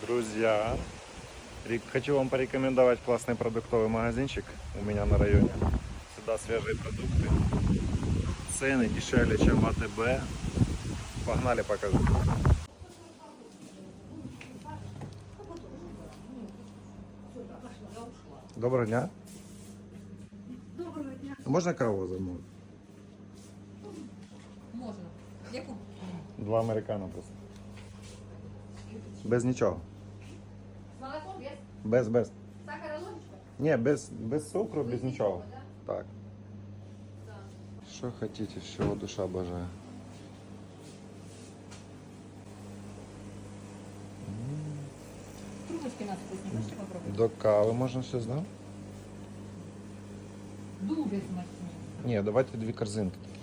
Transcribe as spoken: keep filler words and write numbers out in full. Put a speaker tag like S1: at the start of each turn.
S1: Друзья, ре- хочу вам порекомендовать классный продуктовый магазинчик у меня на районе. Сюда свежие продукты. Цены дешевле, чем в АТБ. Погнали, покажу. Доброго дня.
S2: Доброго дня.
S1: Можно каву замовити?
S2: Можна. Яку?
S1: Два американо просто. Без нічого.
S2: З молоком без?
S1: Без, без.
S2: Сахара ложечка?
S1: Ні, без, без цукру, без нічого.
S2: Да?
S1: Так.
S2: Да.
S1: Що хотите, з чого душа бажає.
S2: Трубочки нас вкусні, можете попробувати?
S1: До кави можна щось, да?
S2: Дуже смачні.
S1: Ні, давайте дві корзинки.